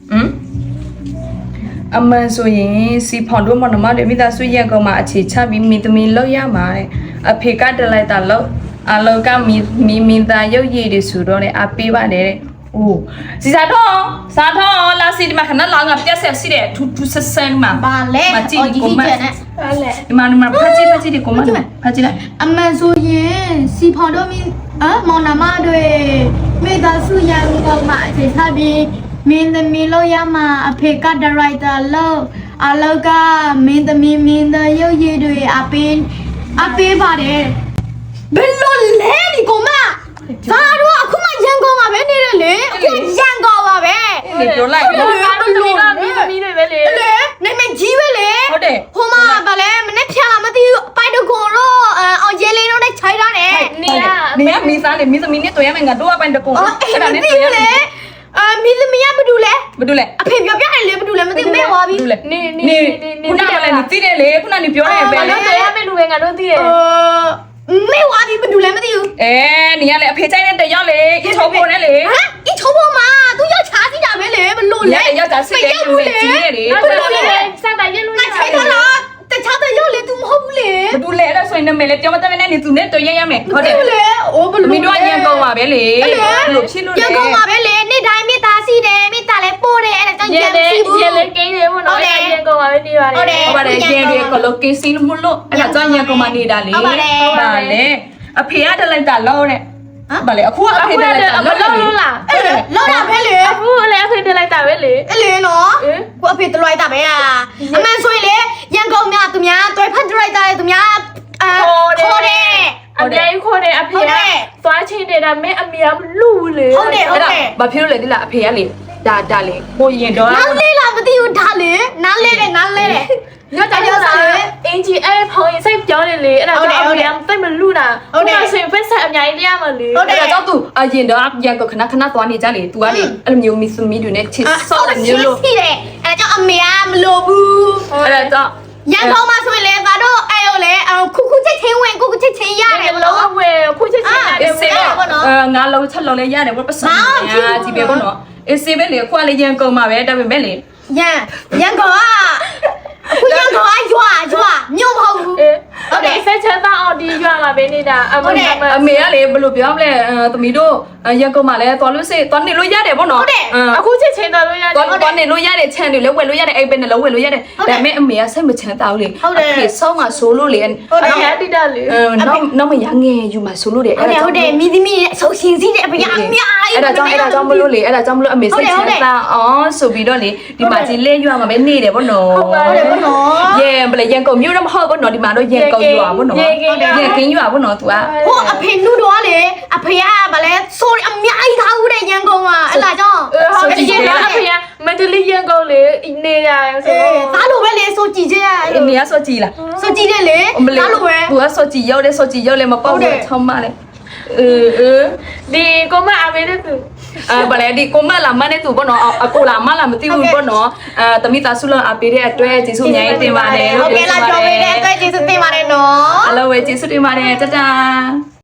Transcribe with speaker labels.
Speaker 1: အမှန်ဆိုရင်စီဖောင်တို့မနမတွေမိသားစုရန်ကုန်မှာအခြေချပြီးမိသမီးလောက်ရမှာတဲ့အဖေကတလိုက်တာလောက်အလောကမီသားရုပ်ရည်တွေဆိုတော့လေအပေးပါတယ်တဲ့။အိုးစီစာထောလာစီဒီမှာခဏလာငါပြက်ဆက်စီတဲ့ထူဆဆန်မှာ
Speaker 2: ဘာလဲ
Speaker 1: မကြည့်ကိုမ
Speaker 2: ဘာလဲ
Speaker 1: ဒီမှာဖတ်ကြည့်ဒီကိုမဖတ်ကြည့်လိုက်
Speaker 2: အမှန်ဆိုရင်စီဖော်တော့မင်းမောင်နှမတွေမိသားစုရန်ကုန်မှာအခြေချပြီးမင်းသမီးလို့ရမှာအဖေကဒါရိုက်တာလို့အလောကမင်းသမီးမင်းသားရုပ်ရည်တွေအပေးပါတယ်ဘယ်လိုလဲဒီကောင်မဒါတော့အခုမှရန်ကုန်မှာပဲနေတယ်လေအခုရန်ကုန်ပါပဲ
Speaker 1: ဒီပြောလိုက်
Speaker 3: မင်းသမီးတွေပဲလေ
Speaker 2: လေနေမကြီးပဲလေ
Speaker 1: ဟုတ်တယ်
Speaker 2: ဟိုမှာဗာလဲမနေ့ဖြာလာမသိဘူးပိုက်တကွန်တော့အောင်ရဲလေးတော့နဲ့ခြိုက်ရတယ်
Speaker 3: နေရ
Speaker 1: နေမီသားလေမီသမီးနဲ့တွေ့ရမယ်ငါတို့အပိုင်းတကုံ
Speaker 2: အဲ့ဒါနဲ့တွေ့ရလေမီသမီးကဘာတူလဲ
Speaker 1: ဘာတူလဲ
Speaker 2: အဖေပြောပြတယ်လေဘာတူလဲမသိမဲသွားပြီ
Speaker 1: ဘာတူလဲနေခုနကလည်းနေသိတယ်လေခုနနေပြောတယ်ပဲ
Speaker 3: ငါတို့တွေ့ရမယ့်လူပဲငါတို့သိတယ်
Speaker 2: မဲသွားပြီဘာတူလဲမသိဘူး
Speaker 1: နေရလေအဖေချိုင်းနဲ့တရောက်လေအချောပေါ်နဲ့လေ
Speaker 2: ဟမ်ဒီချုံပေါ်မှာသူရောက်ချားစီတာပဲလေဘလို့လဲ
Speaker 1: ရောက်တာစစ်တယ်လူနဲ့ကြီးတယ်လေ
Speaker 3: ငါတို့လည်းစတာရက်လို့
Speaker 2: ငါခြိုက်တာလားတခြားတဲ့ရောက်လေ तू မဟုတ်ဘူးလေ
Speaker 1: ဘာတူလဲအဲ့ဒါဆိုရင်နမယ်လေပြောမတတ်နဲ့နေသူနဲ့တွေ့ရရမယ်ဟုတ်တယ်
Speaker 2: လေအိုးဘလို့
Speaker 1: မင်းတို့ရန်ကုန်ပါပဲလေလို့ဖြစ်လို့လေ
Speaker 2: ရန်ကုန်မှာပဲလေနေ့တိုင်းမိသားစီတယ်မိသားလည်းပို့တယ်အဲ့ဒါကြောင့်
Speaker 3: ရက်လေရက်လေကိန်းတယ်မို့နော်ရက်ကောင်ပါပဲနေပါတယ်
Speaker 1: ဟုတ်ပါတယ်ရန်တွေကလိုကေစီမလို့အဲ့ဒါကြောင့်ရန်ကုန်မှာနေတာလေဗာလေအဖေကတလိုက်တာလောတဲ့ဗာလေအခုအဖေတလိုက်တာ
Speaker 3: မလို့လို့လား
Speaker 2: အဲ့လောက်တာပဲလေ
Speaker 3: အခုလည်းအဖေတက်လိုက်တာပဲလေ
Speaker 2: အဲ့လေနော်ကိုအဖေတလွိုက်တာပဲလားအမှန်ဆိုရင်လေရန်ကုန်များသူများတွဲဖက်ဒရိုက်တာလေသူများခေါ်တယ်
Speaker 3: အမြဲခေါ်တယ်အဖေကသွားချင်းနေတာမင်းအမေကလူလေ
Speaker 2: ဟုတ်တယ်ဟုတ်တယ်
Speaker 1: ဘာဖြစ်လို့လဲဒီလားအဖေကလေဒါလေကိုရင်တော့
Speaker 2: နားလေးလားမသိဘူးဒါလေနားလေးတယ်နားလေးတယ်
Speaker 3: ညတော့ညစားအင်ဂျီအဲ့ဖောင်ရင်စိတ်ပြောနေလေအဲ့ဒါကြောင့်အမေကတိတ်မလူတာဟုတ်တယ်ဆိုရင်ဖက်ဆက်အများကြီးတရားမလေ
Speaker 1: အဲ့ဒါကြောင့် तू အရင်တော့ရန်ကုန်ခဏသွားနေကြလေ तू ကလေအဲ့လိုမျိုးမီသမီးတွေနဲ့ချစ်ဆော့တယ်မျိုးလို့
Speaker 2: ရှိတယ်အဲ့ဒါကြောင့်အမေကမလိုဘူး
Speaker 1: အဲ့ဒါကြောင့်
Speaker 2: ရန်ကုန်မှာဆိုရင်လေငါတို့အဲ့လိုလေခုချက်ချင်းဝင်ခုချက်ချင်းရတယ်ဘ
Speaker 3: လော
Speaker 2: လို့
Speaker 3: ဝဲခုချစ်ချင်တယ်
Speaker 1: စေငါလုံးချက်လုံးလဲရတယ်ဘာပတ်စံညာကြည့်ပဲပေါ့နော်အေးစေပဲလေခွာလေရန်ကုန်မှာပဲဒါပေမဲ့လေ
Speaker 2: ရန်ကုန်ကအခုရန်ကုန်ကရွာမြို့မဟုတ်ဘူး
Speaker 3: ဟုတ်တယ်ဆက်ချမ်းသာအောင်ဒီရွာမှာပဲနေတာအမေ
Speaker 1: အမေကလေဘယ်လိုပြောမလဲသမီးတို့ရန်ကုန်မှာလည်းသွားလို့စေသွားနေလို့ရတယ်ပေါ့နော်
Speaker 3: အခုချစ်ချင်တော်လို့ရတယ်
Speaker 1: သွားနေလို့ရတဲ့ခြံတွေလည်းဝယ်လို့ရတယ်အိမ်ပဲနဲ့လည်းဝယ်လို့ရတယ်ဒါပေမဲ့အမေကစိတ်မချမ်းသာဘူးလေအဖေဆောင်းမှာဆိုလို့လေ
Speaker 3: ဟုတ်တယ်ရတိတလေ
Speaker 1: နောက်မရငယ်ယူမှာဆိုလို့တယ်
Speaker 2: ဟုတ်တယ်မိသမီးအဆုပ်ရှင်စီးတဲ့အဖေကအများကြီး
Speaker 1: အဲ့ဒါကြောင့်မလို့လေအဲ့ဒါကြောင့်မလို့အမေစိတ်ချမ်းသာအောင်ဆိုပြီးတော့လေဒီမှာကြီးလဲရွာမှာပဲနေတယ်ပေါ့နော်
Speaker 2: ဟုတ်တယ်ပေါ့နော်
Speaker 1: ရန်ကုန်မြို့တော့မဟုတ်ဘူးနော်ဒီမှာတော့ရန်ကုန်ရွာပေါ့နော်ရန်ကင်းရွာပေါ့နော် तू อ่ะ
Speaker 2: ဟိုအဖေနုတော့လေအဖေကဗလဲဆိုအများကြီးထားဦးတဲ့ရန်ကုန်မှာအဲ့ဒါကြောင့်
Speaker 3: ဟုတ်တယ်အဖေကမန္တလေးရန်ကုန်လေနေရဆို
Speaker 2: သားလိုပဲလေဆိုကြည့်ကြရ
Speaker 1: အမေကစောကြည်လား
Speaker 2: ဆိုကြည့်တယ်လေသားလိုပဲ
Speaker 1: သူကစောကြည်ရောက်တယ်စောကြည်ရောက်လဲမပေါက်ဘူးချောင်းမလဲ
Speaker 3: ဒီကိုမအမေတဲ့သူ
Speaker 1: ဗလဲဒီကိုမလာမနဲ့သူပေါ့နော်အကိုလာမလာမသိဘူးပေါ့နော်တမိသားစုလုံးအပေးတဲ့အတွက်ကျေးဇူးအများကြီးတင်ပါတယ်
Speaker 2: ဟုတ်ကဲ့လားပြောပေးတဲ့အတွက်ကျေးဇူးတင်ပါတယ်နော်
Speaker 1: အလောဝဲကျေးဇူးတင်ပါတယ်တတာ